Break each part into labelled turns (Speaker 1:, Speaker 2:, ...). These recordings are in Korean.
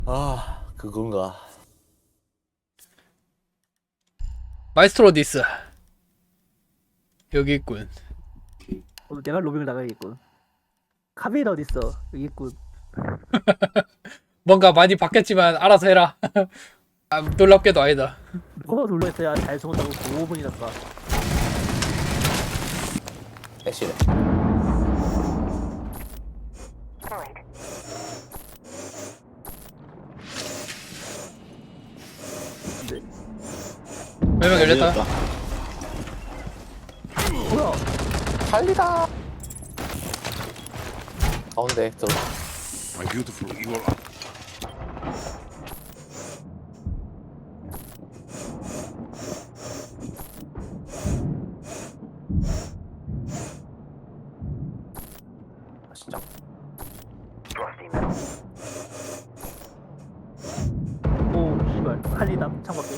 Speaker 1: 아, 그건가.
Speaker 2: 마이스트로 어디 있어? 여기 있군.
Speaker 3: 오늘 내가 로밍을 나가야겠군. 카메라 어딨어? 여기 있군.
Speaker 2: 뭔가 많이 바뀌었지만 알아서 해라. 아, 놀랍게도 아니다.
Speaker 3: 누가 눌러있어야 잘 죽었다고 5분이나 가.
Speaker 1: 애쉬래.
Speaker 2: 몇명 열렸다.
Speaker 3: 뭐야?
Speaker 1: 살리다. 가운데 들어.
Speaker 4: My beautiful evil.
Speaker 1: 진짜.
Speaker 3: 오, 씨발. 칼리다. 창밖에.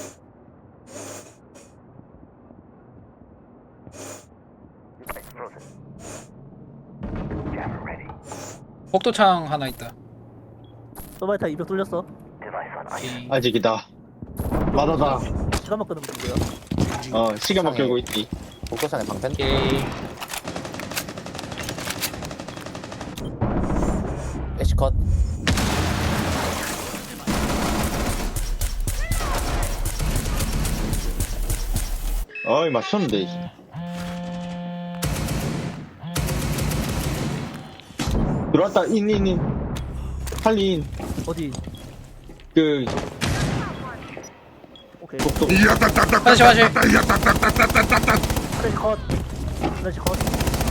Speaker 2: 복도창 하나 있다.
Speaker 3: 서바이타 200 뚫렸어.
Speaker 2: 오케이.
Speaker 5: 아직이다. 맞아다.
Speaker 3: 시간만 끄는 문제야.
Speaker 5: 시간만 끌고 있지.
Speaker 1: 복도상에 방패.
Speaker 2: 오케이.
Speaker 1: 애쉬 컷.
Speaker 5: 어이, 맞췄는데. 들어왔다, 인. 할리 인.
Speaker 3: 어디?
Speaker 5: 그,
Speaker 3: 오케이.
Speaker 5: 복도.
Speaker 2: 다시.
Speaker 3: 하나씩 컷. 하나씩 컷.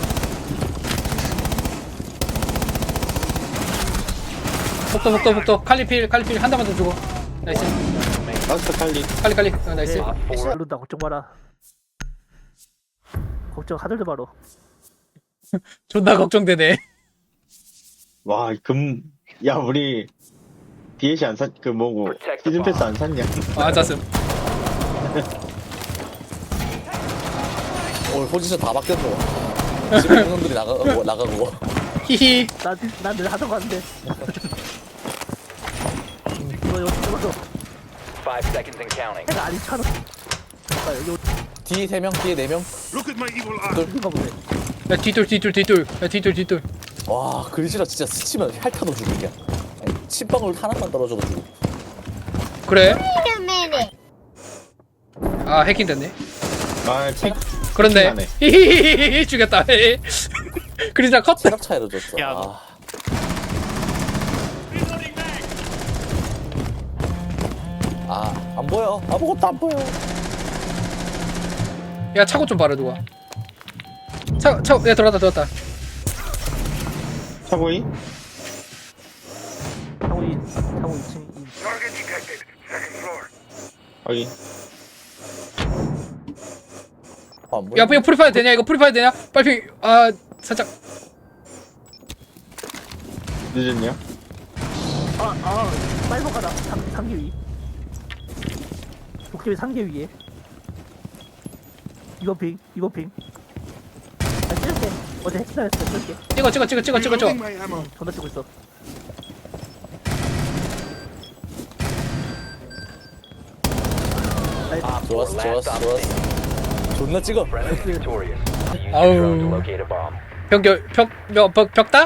Speaker 2: 복도. 칼리필 한 대만 더 주고. 나이스.
Speaker 5: 마스터 할리.
Speaker 2: 칼리. 나이스.
Speaker 3: 모른다. 걱정 마라. 걱정 하늘도 바로.
Speaker 2: 존나 걱정되네.
Speaker 5: 와, 야, 우리, DLC 안 뭐고, 시즌 패스 안 샀냐?
Speaker 2: 아, 잤음.
Speaker 1: 오늘 포지션 다 바뀌었노. 집에 있는 놈들이 나가고.
Speaker 2: 히히.
Speaker 3: 난늘 하던 거 같은데. 이거 찍어서
Speaker 6: 5 seconds and counting.
Speaker 3: 해가 안 차는. 아, 여기
Speaker 1: 뒤에 3명, 뒤에 4명.
Speaker 4: Look at my evil eye.
Speaker 3: 어딘가 보네.
Speaker 2: 야, 뒤돌.
Speaker 1: 와, 그리시라 진짜 스치면 핥아도 죽이냐. 침방울 하나만 떨어져도 죽어.
Speaker 2: 그래? 아, 해킹 됐네.
Speaker 5: 아,
Speaker 2: 그렇네.
Speaker 5: 하네.
Speaker 2: 히히히히 죽였다. 그리자 컷.
Speaker 1: 체력 차이로 줬어. 안 보여. 아무것도 안 보여.
Speaker 2: 야, 차고 좀 봐라 누가. 야, 들어왔다.
Speaker 5: 차고이?
Speaker 3: 창호 2층.
Speaker 4: Target detected. Second floor.
Speaker 5: 여기.
Speaker 1: 안 보여.
Speaker 2: 야, 이거 프리파이어 되냐? 빨리 살짝.
Speaker 5: 늦었냐?
Speaker 3: 빨복하다. 3개 위. 도깨비 3개 위에. 이번 핑. 아, 찍을게. 어제 핵시나였어. 찍을게.
Speaker 2: 찍어.
Speaker 4: Reloading my ammo.
Speaker 3: 전화 찍고 있어.
Speaker 1: 좋았어. 존나 찍어.
Speaker 6: Friendly victorious. Use
Speaker 2: Ow.
Speaker 6: your drone to locate a bomb.
Speaker 2: 벽다?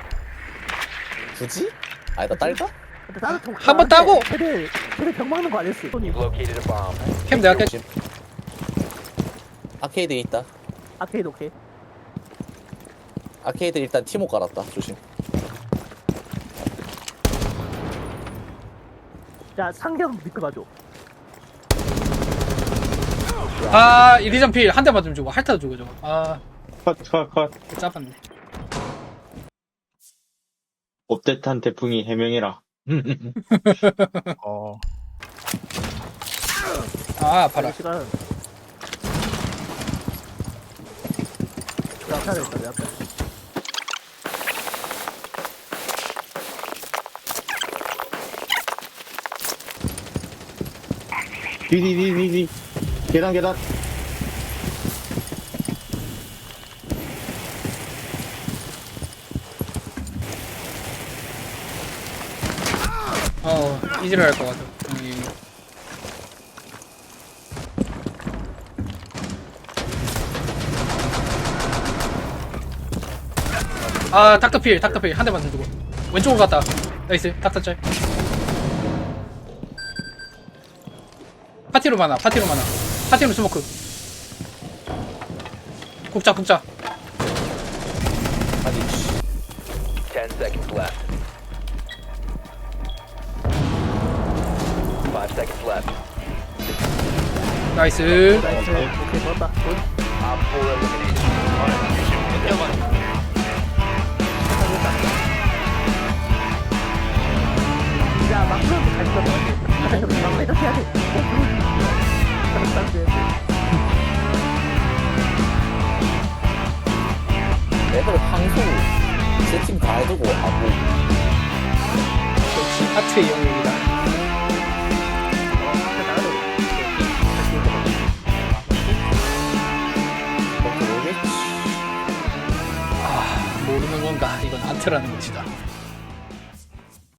Speaker 1: 굳이? 아니다, 딸까?
Speaker 3: 근데 나는
Speaker 2: 한번 따고!
Speaker 3: 걔네 병 막는 거 안 했어. 손이
Speaker 6: You've located a bomb.
Speaker 2: 캠 내가 깰.
Speaker 1: 조심. 아케이드에 있다.
Speaker 3: 아케이드 오케이.
Speaker 1: 아케이드 일단 티모 깔았다. 조심.
Speaker 3: 자, 상경 밑에 봐줘.
Speaker 2: 아, 이리전 필 한 대만 좀 주고 핥아도 주고 저거. 아,
Speaker 5: 컷.
Speaker 2: 짜봤네.
Speaker 5: 업데이트한 태풍이 해명해라.
Speaker 2: 아, 아파라.
Speaker 3: 시간. 내 앞에 하나 있다. 내 앞에.
Speaker 5: 뒤. 계단.
Speaker 2: 이지를 할 것 같아. 닥터필 한 대만 더 주고 왼쪽으로 갔다. 나이스 닥터 짤. 파티로 많아 파티로 스모크. 국자
Speaker 1: 아니 씨.
Speaker 6: 10 seconds left. 5 seconds left.
Speaker 2: 나이스.
Speaker 3: 나이스. 오케이, 좋았다. 굿.
Speaker 6: Op 4 eliminated.
Speaker 3: 야, 막 그러면 잘 써. 막 이렇게 해야 돼.
Speaker 1: 맵을 항소 세팅 다 해두고 하고
Speaker 2: 역시 하트의 영역이다.
Speaker 1: 그렇게 모르겠지.
Speaker 2: 모르는 건가? 이건 아트라는 것이다.